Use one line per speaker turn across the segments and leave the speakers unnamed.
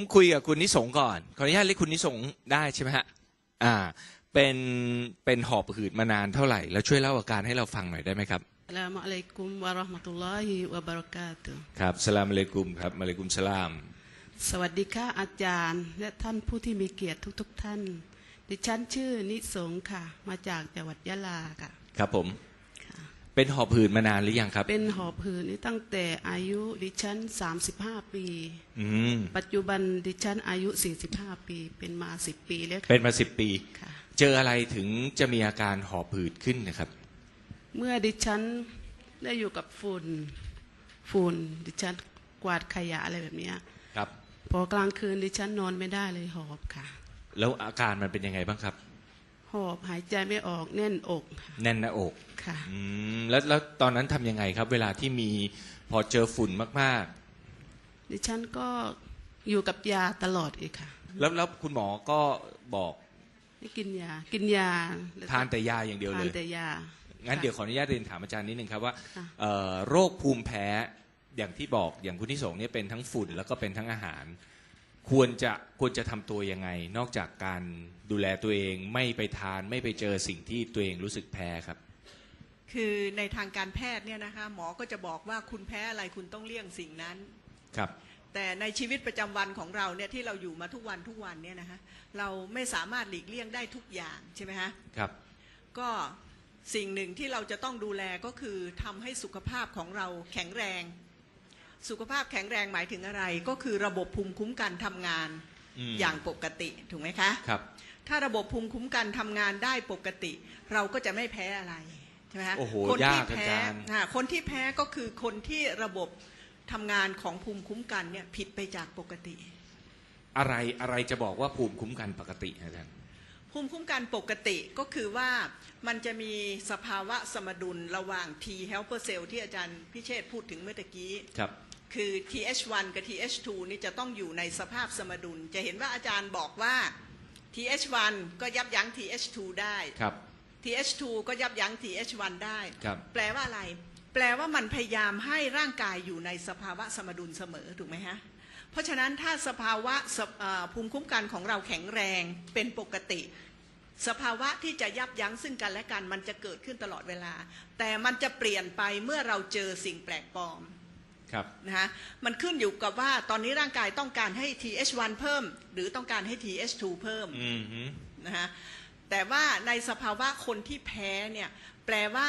คุยกับคุณนิสงก่อนขออนุญาตเรียกคุณนิสงได้ใช่ไหมฮะเป็นหอบหืดมานานเท่าไหร่แล้วช่วยเล่าอาการให้เราฟังหน่อยได้ไหมครับ
อัสสลามุอะลัยกุมวะเราะห์มะตุลลอฮิวะบะเราะกาตุฮ์
ครับสลามอะลัยกุมครับอะลัยกุมสลาม
สวัสดีค่ะอาจารย์และท่านผู้ที่มีเกียรติทุกท่านดิฉันชื่อนิสงค่ะมาจากจังหวัดยะลาค่ะ
ครับผมเป็นหอบหืดมานานหรือยังครับ
เป็นหอบหืดนี่ตั้งแต่อายุดิฉัน35 ปีปัจจุบันดิฉันอายุ45 ปีเป็นมา10 ปีแล้ว
เป็นมา10 ปี
ค่ะ
เจออะไรถึงจะมีอาการหอบหืดขึ้นนะครับ
เมื่อดิฉันได้อยู่กับฝุ่นดิฉันกวาดขยะอะไรแบบนี้
ครับ
พอกลางคืนดิฉันนอนไม่ได้เลยหอบค่ะ
แล้วอาการมันเป็นยังไงบ้างครับ
หอบหายใจไม่ออกแน่นอก
แน่นหน้าอก
ค่ะ
แล้วตอนนั้นทำยังไงครับเวลาที่มีพอเจอฝุ่นมาก
ๆดิฉันก็อยู่กับยาตลอดเลยค่ะ
แล้วคุณหมอก็บอก
ให้กินยา
ทานแต่ยาอย่างเดียวเลย
ทานแต่ยา
งั้นเดี๋ยวขออนุญาตเรียนถามอาจารย์นิดนึงครับว่าโรคภูมิแพ้อย่างที่บอกอย่างคุณที่สงเนี่ยเป็นทั้งฝุ่นแล้วก็เป็นทั้งอาหารควรจะทำตัวยังไงนอกจากการดูแลตัวเองไม่ไปทานไม่ไปเจอสิ่งที่ตัวเองรู้สึกแพ้ครับ
คือในทางการแพทย์เนี่ยนะคะหมอก็จะบอกว่าคุณแพ้อะไรคุณต้องเลี่ยงสิ่งนั้น
ครับ
แต่ในชีวิตประจำวันของเราเนี่ยที่เราอยู่มาทุกวันเนี่ยนะคะเราไม่สามารถหลีกเลี่ยงได้ทุกอย่างใช่ไหมคะ
ครับ
ก็สิ่งหนึ่งที่เราจะต้องดูแลก็คือทำให้สุขภาพของเราแข็งแรงสุขภาพแข็งแรงหมายถึงอะไรก็คือระบบภูมิคุ้มกันทำงานอย่างปกติถูกไหมคะ
ครับ
ถ้าระบบภูมิคุ้มกันทำงานได้ปกติเราก็จะไม่แพ้อะไรใช่ไหมคะ
คนที่แพ้
คนที่แพ้ก็คือคนที่ระบบทำงานของภูมิคุ้มกันเนี่ยผิดไปจากปกติ
อะไรจะบอกว่าภูมิคุ้มกันปกติอาจารย์
ภูมิคุ้มกันปกติก็คือว่ามันจะมีสภาวะสมดุลระหว่าง T helper cell ที่อาจารย์พิเชษพูดถึงเมื่อกี้คือ TH1 กับ TH2 นี่จะต้องอยู่ในสภาพสมดุลจะเห็นว่าอาจารย์บอกว่า TH1 ก็ยับยั้ง TH2 ได้ TH2 ก็ยับยั้ง TH1 ได้แปลว่าอะไรแปลว่ามันพยายามให้ร่างกายอยู่ในสภาวะสมดุลเสมอถูกไหมฮะเพราะฉะนั้นถ้าสภาวะภูมิคุ้มกันของเราแข็งแรงเป็นปกติสภาวะที่จะยับยั้งซึ่งกันและกันมันจะเกิดขึ้นตลอดเวลาแต่มันจะเปลี่ยนไปเมื่อเราเจอสิ่งแปลกปลอมนะฮะมันขึ้นอยู่กับว่าตอนนี้ร่างกายต้องการให้ TH1 เพิ่มหรือต้องการให้ TH2 เพิ่มนะฮะแต่ว่าในสภาวะคนที่แพ้เนี่ยแปลว่า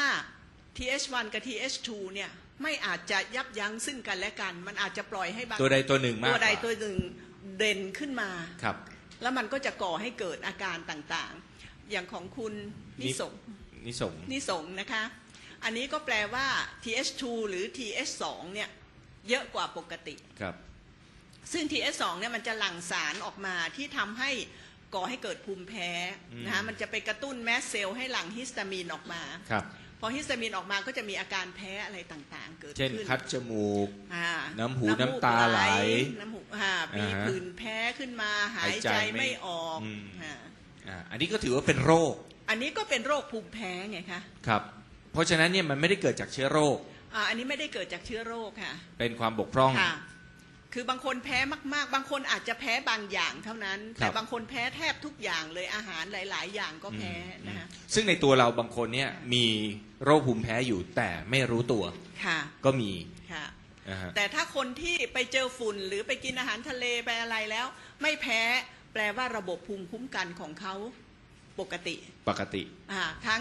TH1 กับ TH2 เนี่ยไม่อาจจะยับยั้งซึ่งกันและกันมันอาจจะปล่อยให้บาง
ตัวใดตัวหนึ่งมากกว่า
ตัวใดตัวหนึ่งเด่นขึ้นมา
ครับ
แล้วมันก็จะก่อให้เกิดอาการต่างๆอย่างของคุณนิสงนะคะอันนี้ก็แปลว่า TH2 หรือ TH2 เนี่ยเยอะกว่าปกติ
ครับ
ซึ่ง TH2 เนี่ยมันจะหลั่งสารออกมาที่ทำให้ก่อให้เกิดภูมิแพ้นะคะมันจะไปกระตุ้นแมสเซลล์ให้หลั่งฮิสตามีนออกมาพอฮิสตามีนออกมาก็จะมีอาการแพ้อะไรต่างๆเกิดขึ้น
เช่นคัดจมูกน้ำหูน้ำตาไหล
น้ำหูมีผื่นแพ้ขึ้นมาหายใจไม่ออก
อันนี้ก็ถือว่าเป็นโรค
อันนี้ก็เป็นโรคภูมิแพ้ไงคะ
ครับเพราะฉะนั้นเนี่ยมันไม่ได้เกิดจากเชื้อโรค
อันนี้ไม่ได้เกิดจากเชื้อโรคค่ะ
เป็นความบกพร่อง
คือบางคนแพ้มากๆบางคนอาจจะแพ้บางอย่างเท่านั้นแต่บางคนแพ้แทบทุกอย่างเลยอาหารหลายๆอย่างก็แพ้นะคะ
ซึ่งในตัวเราบางคนเนี่ยมีโรคภูมิแพ้อยู่แต่ไม่รู้ตัวก็มี
ค่ะแต่ถ้าคนที่ไปเจอฝุ่นหรือไปกินอาหารทะเลไปอะไรแล้วไม่แพ้แปลว่าระบบภูมิคุ้มกันของเขาปกติทั้ง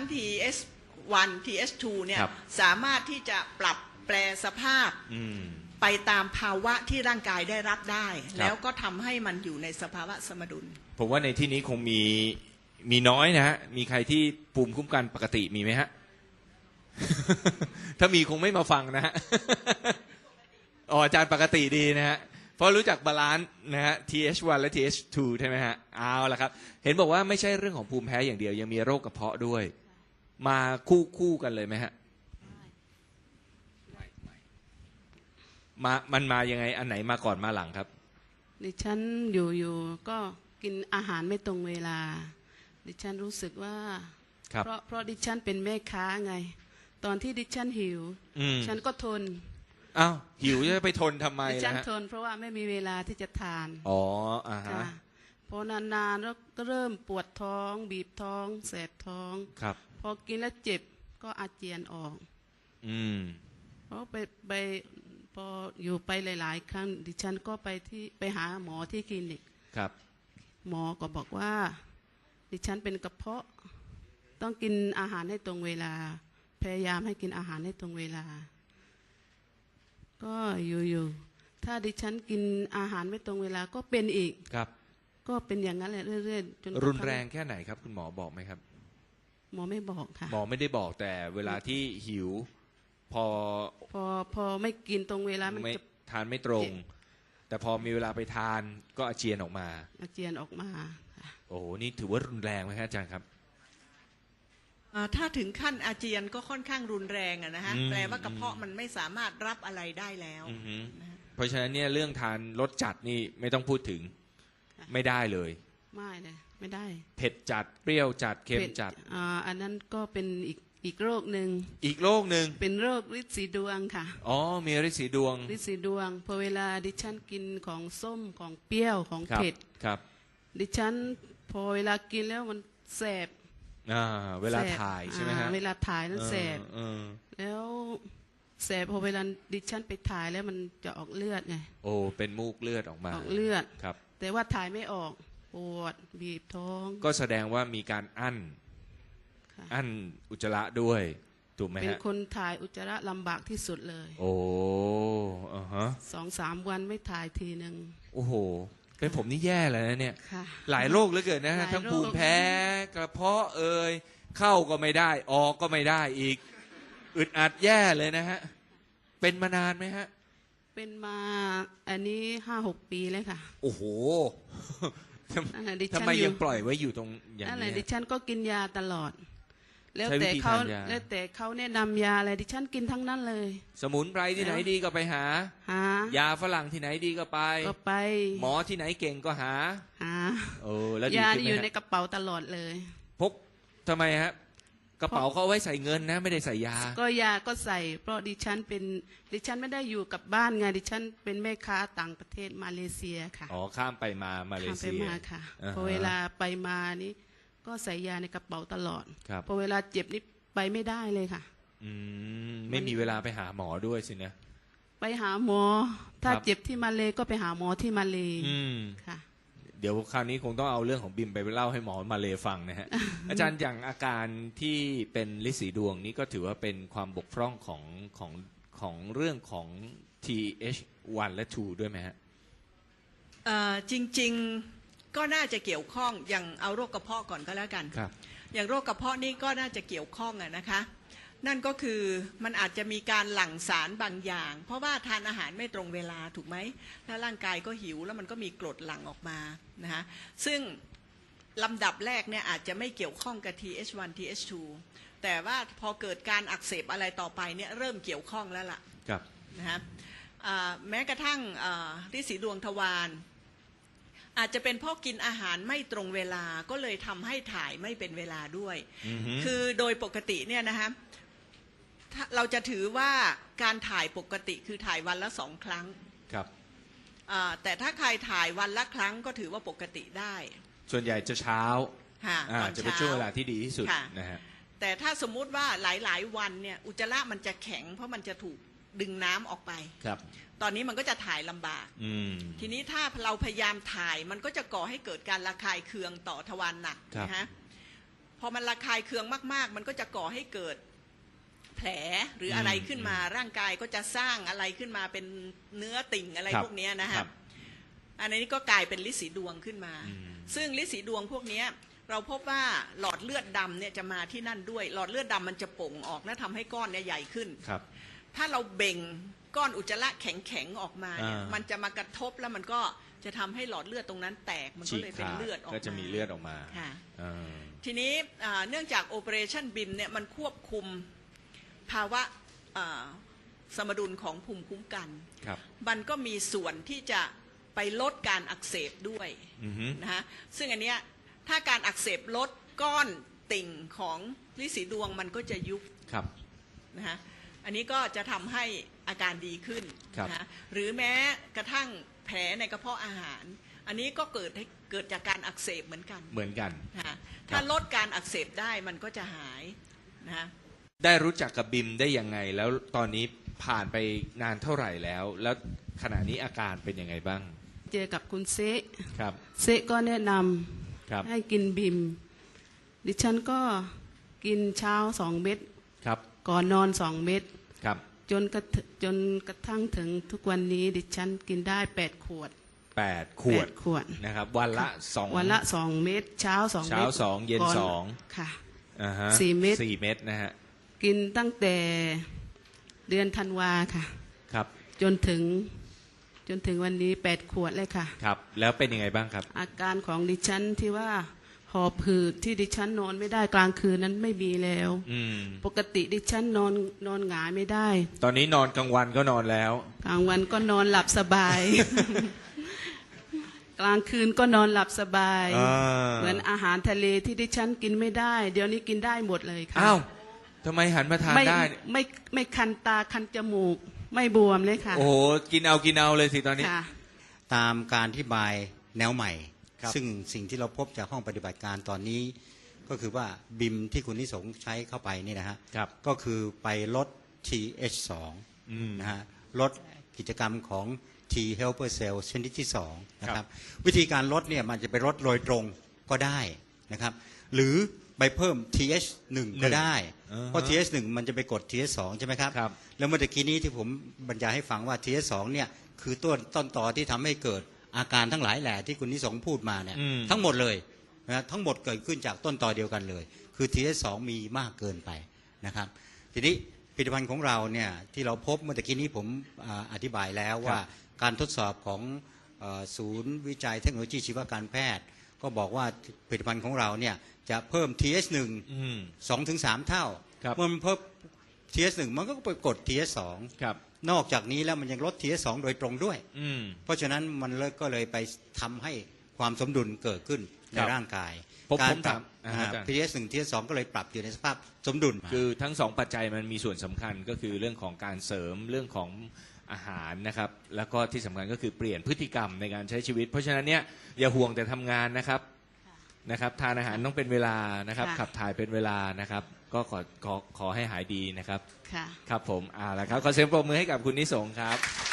TH1 TH2 เนี่ยสามารถที่จะปรับแปลสภาพไปตามภาวะที่ร่างกายได้รับได้แล้วก็ทำให้มันอยู่ในสภาวะสมดุล
ผมว่าในที่นี้คงมีน้อยนะฮะมีใครที่ภูมิคุ้มกันปกติมีไหมฮะ ถ้ามีคงไม่มาฟังนะฮะ อาจารย์ปกติดีนะฮะเพราะรู้จักบาลานซ์นะฮะ TH1 และ TH2 ใช่ไหมฮะเอาละครับเห็นบอกว่าไม่ใช่เรื่องของภูมิแพ้อย่างเดียวยังมีโรคกระเพาะด้วยมาคู่กันเลยไหมฮะมันมายังไงอันไหนมาก่อนมาหลังครับ
ดิฉันอยู่ก็กินอาหารไม่ตรงเวลาดิฉันรู้สึกว่าเพราะดิฉันเป็นแม่ค้าไงตอนที่ดิฉันหิวฉันก็ทน
อ้าวหิวจะไปทนทำไม
ดิฉั
ล่ะ
น
ฮะ
ทนเพราะว่าไม่มีเวลาที่จะทาน
อ๋ออ่าฮะ
ค่ะพอนานๆแล้วก็เริ่มปวดท้องบีบท้องแสบท้อง
ครับ
พอกินแล้วเจ็บก็อาเจียนออก
อืม
เพราะไปพออยู่ไปหลายๆ ครั้งดิฉันก็ไปหาหมอที่คลินิก
ครับ
หมอก็บอกว่า ดิฉันเป็นกระเพาะต้องกินอาหารให้ตรงเวลา พยายามให้กินอาหารให้ตรงเวลา ก็อยู่ๆถ้าดิฉันกินอาหารไม่ตรงเวลาก็เป็นอีก
ครับ
ก็เป็นอย่างนั้นแหละเรื่อยๆจนกะทั่
รุนแรงแค่ไหนครับ คุณหมอบอกไหมครับ
หมอไม่บอกค่ะ
หมอไม่ได้บอกแต่เวลาที่หิว พอ
พอไม่กินตรงเวลามัน
ไม่
จะ
ทานไม่ตรง แต่พอมีเวลาไปทานก็อาเจียนออกมา
อาเจียนออกมาค่ะ
โอ้โหนี่ถือว่ารุนแรงไหมครับอาจารย์ครับ
ถ้าถึงขั้นอาเจียนก็ค่อนข้างรุนแรงอะนะฮะ
อืม
แปลว่ากระเพาะมันไม่สามารถรับอะไรได้แล้ว
อือฮึ
นะฮะ
เพราะฉะนั้นเนี่ยเรื่องทานรสจัดนี่ไม่ต้องพูดถึง
ค่ะ
ไม่ได้เลย
ไม่เลยไม่ได้
เผ็ดจัดเปรี้ยวจัดเค็ม
ป็น
จัด
อันนั้นก็เป็นอีกโรคหนึ่ง
อีกโรคหนึ่ง
เป็นโรคฤทธิ์สีดวงค่ะ
อ๋อมีฤทธิ์สีดวง
ฤทธิ์สีดวงพอเวลาดิฉันกินของส้มของเปรี้ยวของ
ครับ
เผ็ด
ครับ
ดิฉันพอเวลากินแล้วมันแสบ
เวลา
แสบ
ถ่ายใช่ไหมฮะ
เวลาถ่ายนั้นแสบ
เออ
แล้วแสบพอเวลาดิฉันไปถ่ายแล้วมันจะออกเลือดไง
โอ้เป็นมูกเลือดออกมา
ออกเลือด
ครับ
แต่ว่าถ่ายไม่ออกปวดบีบท้อง
ก็แสดงว่ามีการอั้น
ค่ะ
อั้นอุจจาระด้วยถูกไหม
เป็น
ฮะ
คนถ่ายอุจจาระลำบากที่สุดเลย
โอ้อ่าฮะ
2-3 วันไม่ถ่ายทีหนึ่ง
โอ้โห เป็นผมนี่แย่เลยนะเนี่ย
ค่ะ
หลายโรคเหลือเกินนะ
ห
ฮะ
ลายโรค
ทั้งภูมิแพ้กระเพาะเข้าก็ไม่ได้ ออกก็ไม่ได้อีก อึดอัดแย่เลยนะฮะ เป็นมานานไหมฮะ
เป็นมาอันนี้5-6 ปีเลยค่ะ
โอ้โห
นั่นแหละดิ
ทำ
ฉัน
ไม
อ
ยั
ยู่
งปล่อยไว้อยู่ตรงอย่าง
นั่นแหละ
นี้
ดิฉันก็กินยาตลอด แล้ว
ใช้วิ
แต่
ธี
เขา
ทานยา
แล้วแต่เขาแนะนำยาอะไรดิฉันกินทั้งนั้นเลย
สมุนไพรที่ไหนดีก็ไปหา
หาย
าฝรั่งที่ไหนดีก็ไป
ก็ไป
หมอที่ไหนเก่งก็หา
หา
แล้วดี
ยา
ขึ้น
นี่
ไหม
อยู่ใน
ฮะ
กระเป๋าตลอดเลย
พกทำไมฮะ กระเป๋าเขาเอาไว้ใส่เงินนะ ไม่ได้ใส่ยา
ก็ยาก็ใส่ เพราะดิฉันไม่ได้อยู่กับบ้านไงดิฉันเป็นแม่ค้าต่างประเทศมาเลเซียค่ะ
อ๋อ ข้ามไปมาเล
ข้ามไป
เซีย
มาค่ะ
อ่าฮะ
พอเวลาไปมานี่ก็ใส่ยาในกระเป๋าตลอด
ครับ
พอเวลาเจ็บนี่ไปไม่ได้เลยค่ะ
ไม่มีเวลาไปหาหมอด้วยสินะ
ไปหาหมอ ถ้า
ครับ
เจ็บที่มาเลก็ไปหาหมอที่มาเล
อืม
ค่ะ
เดี๋ยวคราวนี้คงต้องเอาเรื่องของบิมไปเล่าให้หมอมาเลฟังนะฮะ อาจารย์อย่างอาการที่เป็นฤทธิ์สีดวงนี้ก็ถือว่าเป็นความบกพร่องของเรื่องของ TH1 และ 2 ด้วยไหมฮะ
จริงๆก็น่าจะเกี่ยวข้องอย่างเอาโรคกระเพาะก่อนก็แล้วกัน
ครับ
อย่างโรคกระเพาะนี่ก็น่าจะเกี่ยวข้องอะนะคะ นั่นก็คือมันอาจจะมีการหลั่งสารบางอย่าง เพราะว่าทานอาหารไม่ตรงเวลาถูกไหมแล้วร่างกายก็หิวแล้วมันก็มีกรดหลั่งออกมานะคะซึ่งลำดับแรกเนี่ยอาจจะไม่เกี่ยวข้องกับ TH1 TH2 แต่ว่าพอเกิดการอักเสบอะไรต่อไปเนี่ยเริ่มเกี่ยวข้องแล้วล่ะ
ครับ
นะฮะแม้กระทั่งฤทธิ์สีดวงทวารอาจจะเป็นเพราะกินอาหารไม่ตรงเวลาก็เลยทำให้ถ่ายไม่เป็นเวลาด้วย
อือฮึ
คือโดยปกติเนี่ยนะฮะเราจะถือว่าการถ่ายปกติคือถ่ายวันละ2 ครั้ง
ครับ
แต่ถ้าใครถ่ายวันละครั้งก็ถือว่าปกติได้
ส่วนใหญ่จะเช้า
ค่ะตอน
จะเป็น
เช้า
ช่วงเวลาที่ดีที่สุด
ค่ะ
นะฮะ
แต่ถ้าสมมุติว่าหลายๆวันเนี่ยอุจจาระมันจะแข็งเพราะมันจะถูกดึงน้ำออกไป
ครับ
ตอนนี้มันก็จะถ่ายลำบาก
อืม
ทีนี้ถ้าเราพยายามถ่ายมันก็จะก่อให้เกิดการระคายเคืองต่อทวารหนัก
ครับ
นะฮะพอมันระคายเคืองมากๆ มันก็จะก่อให้เกิดแผลหรืออะไรขึ้นมาร่างกายก็จะสร้างอะไรขึ้นมาเป็นเนื้อติ่งอะไร
ครับ
พวกเนี้ยนะ
ค
ฮะ
รับ
อันนี้ก็กลายเป็นฤทธิ์สีดวงขึ้นมา
อืม
ซึ่งฤทธิ์สีดวงพวกเนี้ยเราพบว่าหลอดเลือดดำเนี่ยจะมาที่นั่นด้วย หลอดเลือดดำมันจะโป่งออกและทำให้ก้อนเนี่ยใหญ่ขึ้น
ครับ
ถ้าเราเบ่งก้อนอุจจาระแข็งๆออกมาเนี่ย
อ่ามั
มันจะมากระทบแล้วมันก็จะทำให้หลอดเลือดตรงนั้นแตกมันก็
ฉีก
เลยเป็น
ขาด
เลือดออกมา
ก็จะมีเลือดออกมา
ค่ะ
อ่า
ทีนี้เนื่องจาก Operation BIM เนี่ยมันควบคุมภาวะสมดุลของภูมิคุ้มกัน
ครับ
มันก็มีส่วนที่จะไปลดการอักเสบด้วย
อือฮึ
นะฮะซึ่งอันเนี้ยถ้าการอักเสบลดก้อนติ่งของฤทธิ์สีดวงมันก็จะยุบ
ครับ
นะฮะอันนี้ก็จะทำให้อาการดีขึ้น
ครับ
นะหรือแม้กระทั่งแผลในกระเพาะอาหาร อันนี้ก็เกิดจากการอักเสบเหมือนกัน
เหมือนกัน
นะถ้าลดการอักเสบได้มันก็จะหายนะ
ได้รู้จักกับบิมได้ยังไงแล้วตอนนี้ผ่านไปนานเท่าไหร่แล้ว แล้วขณะนี้อาการเป็นยังไงบ้าง
เจอกับคุณเซะ
ครับ
เซะก็แนะน
ครับ
ำให้กินบิม ดิฉันก็กินเช้า2 เม็ด
ครับ
ก่อนนอน2 เม็ด
ครับ
จนกระทั่งถึงทุกวันนี้ดิฉันกินได้8 ขวด
8 ขวด
8 ขวด
นะครับ วันละ2
วันละ2 เม็ดเช้า2
เช้า
เม็ด
2 เย็น
ก่อ
2
ค่ะ
อ่าฮะ
4 เม็ด
4 เม็ดนะฮะ
กินตั้งแต่เดือนธันวาค่ะ
ครับ
จนถึงวันนี้8 ขวดเลยค่ะ
ครับ แล้วเป็นยังไงบ้างครับ
อาการของดิฉันที่ว่าหอบหืดที่ดิฉันนอนไม่ได้กลางคืนนั้นไม่มีแล้ว
อืม
ปกติดิฉันนอนหงายไม่ได้
ตอนนี้นอนกลางวันก็นอนแล้ว
กลางวันก็นอนหลับสบาย กลางคืนก็นอนหลับสบาย
อ่า
เหมือนอาหารทะเลที่ดิฉันกินไม่ได้ เดี๋ยวนี้กินได้หมดเลยค่ะ
อ้าวทำไมหันมาทาน
ไม่
ได้
ไม่คันตาคันจมูก ไม่บวมเลยค่ะ
โอ้โห กินเอาเลยสิตอนนี้
ค่ะ
ตามการอธิบายแนวใหม่
ครับ
ซึ่งสิ่งที่เราพบจากห้องปฏิบัติการตอนนี้ ก็คือว่าบิมที่คุณนิสงใช้เข้าไปนี่นะฮะ
ครับ
ก็คือไปลด TH2
อืม
นะฮะลดกิจกรรมของ T helper cell ชนิดที่2นะครับวิธีการลดเนี่ยมันจะไปลดโดยตรงก็ได้นะครับหรือไปเพิ่ม TH1 ก็ได้ เพราะ TH1 มันจะไปกด TH2 ใช่ไหมครับ
ครับ
แล้วเมื่อกี้นี้ที่ผมบรรยายให้ฟังว่า TH2 เนี่ยคือต้นตอที่ทำให้เกิดอาการทั้งหลายแหล่ที่คุณนิสงพูดมาเนี่ย
อืม
ทั้งหมดเลยนะทั้งหมดเกิดขึ้นจากต้นตอเดียวกันเลย คือ TH2 มีมากเกินไปนะครับทีนี้ผลิตภัณฑ์ของเราเนี่ยที่เราพบเมื่อกี้นี้ผมอธิบายแล้วว่าการทดสอบของศูนย์วิจัยเทคโนโลยีชีวการแพทย์ ก็บอกว่าผลิตภัณฑ์ของเราเนี่ยจะเพิ่ม TH1
อืม
2-3 เท่า
ครับ
เมื่อมันเพิ่ม TH1 มันก็ไปกด TH2
ครับ
นอกจากนี้แล้วมันยังลด TH2 โดยตรงด้วย
อืม
เพราะฉะนั้นมันก็เลยไปทำให้ความสมดุลเกิดขึ้นใน
ครับ
ร่างกาย
ผม
การปรับ
ถามอาจารย์
TH1 TH2 ก็เลยปรับอยู่ในสภาพสมดุล
คือทั้งสองปัจจัยมันมีส่วนสำคัญก็คือเรื่องของการเสริมเรื่องของอาหารนะครับ แล้วก็ที่สำคัญก็คือเปลี่ยนพฤติกรรมในการใช้ชีวิต เพราะฉะนั้นเนี่ยอย่าห่วงแต่ทำงานนะครับทานอาหารต้องเป็นเวลานะครับ
ค่ะ
ขับถ่ายเป็นเวลานะครับ ก็ขอให้หายดีนะครับ
ค่ะ
ครับผมแล้วครับขอเสียงปรบมือให้กับคุณนิสงครับ